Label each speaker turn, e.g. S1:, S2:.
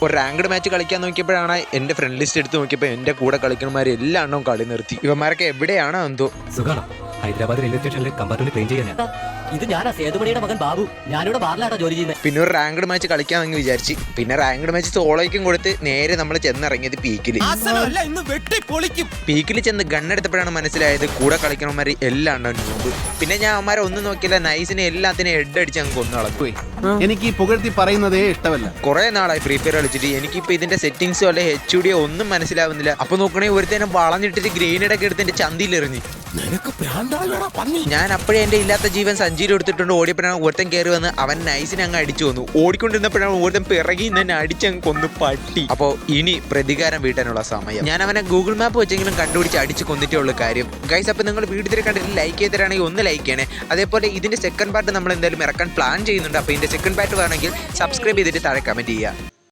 S1: ഒരു ranked match കളിക്കാൻ നോക്കിയപ്പോഴാണ് എൻ്റെ ഫ്രണ്ട് ലിസ്റ്റ് എടുത്ത് നോക്കിയപ്പോൾ എൻ്റെ കൂടെ കളിക്കുന്നമാരെല്ലാം എണ്ണം കളി നിർത്തി. ഇവന്മാരൊക്കെ എവിടെയാണോ എന്തോ.
S2: സുഖാണോ? ഹൈദരാബാദ് റെയിൽവേ സ്റ്റേഷനിൽ കമ്പാർട്ട്മെന്റ് ട്രെയിൻ ചെയ്യാൻ.
S3: ഇത് ഞാനാ സേതുമണിയുടെ മകൻ ബാബു. ഞാനിവിടെ ബാറിലാട്ടോ ജോലി ചെയ്യുന്നത്.
S1: പിന്നെ ഒരു റാങ്ക്ഡ് മാച്ച് കളിക്കാമെന്ന് വിചാരിച്ച് പിന്നെ റാങ്ക്ഡ് മാച്ച് സോളോയ്ക്കും കൊടുത്ത് നേരെ നമ്മൾ ചെന്നിറങ്ങിയത് പീക്കിൽ. പീക്കിൽ ചെന്ന് ഗണ്ണെടുത്തപ്പോഴാണ് മനസ്സിലായത് കൂടെ കളിക്കണമാർ എല്ലാം ഉണ്ടോ നോമ്പ്. പിന്നെ ഞാൻ അവന്മാരെ ഒന്നും നോക്കിയില്ല, നൈസിനെ എല്ലാത്തിനും ഹെഡ് അടിച്ച് അങ്ങ് കൊന്നു കളഞ്ഞു.
S4: എനിക്ക് പുകഴ്ത്തി പറയുന്നതേ ഇഷ്ടമല്ല.
S1: കുറെ നാളായി ഫ്രീ ഫയർ കളിച്ചിട്ട് എനിക്കിപ്പോ ഇതിന്റെ സെറ്റിംഗ്സോ അല്ലെ HUD ഒന്നും മനസ്സിലാവുന്നില്ല. അപ്പൊ നോക്കണേ ഒരുത്തേനെ വളഞ്ഞിട്ടിട്ട് ഗ്രേനേഡൊക്കെ എടുത്ത് എന്റെ ചന്തിയിൽ എറിഞ്ഞു. ഞാൻ അപ്പോഴേ എന്റെ ഇല്ലാത്ത ജീവൻ സഞ്ചിയിൽ എടുത്തിട്ടുണ്ട് ഓടിയപ്പോഴാണ് ഒരുത്തൻ കയറി വന്ന് അവൻ നൈസിനെ അങ്ങ് അടിച്ചു വന്നു. ഓടിക്കൊണ്ടിരുന്നപ്പോഴാണ് ഒരുത്തൻ പിറകി തന്നെ അടിച്ചങ്ങ് കൊന്നു പട്ടി. അപ്പോൾ ഇനി പ്രതികാരം വീട്ടാനുള്ള സമയം. ഞാൻ അവനെ ഗൂഗിൾ മാപ്പ് വെച്ചെങ്കിലും കണ്ടുപിടിച്ച് അടിച്ച് കൊന്നിട്ടേ ഉള്ളൂ കാര്യം. ഗൈസ്, അപ്പോൾ നിങ്ങൾ വീഡിയോ കണ്ടിട്ട് ലൈക്ക് ചെയ്തിട്ടാണെങ്കിൽ ഒന്ന് ലൈക്ക് ചെയ്യണേ. അതേപോലെ ഇതിന്റെ സെക്കൻഡ് പാർട്ട് നമ്മൾ എന്തായാലും ഇറക്കാൻ പ്ലാൻ ചെയ്യുന്നുണ്ട്. അപ്പോൾ ഇതിന്റെ സെക്കൻഡ് പാർട്ട് വേണമെങ്കിൽ സബ്സ്ക്രൈബ് ചെയ്തിട്ട് താഴെ കമന്റ് ചെയ്യുക.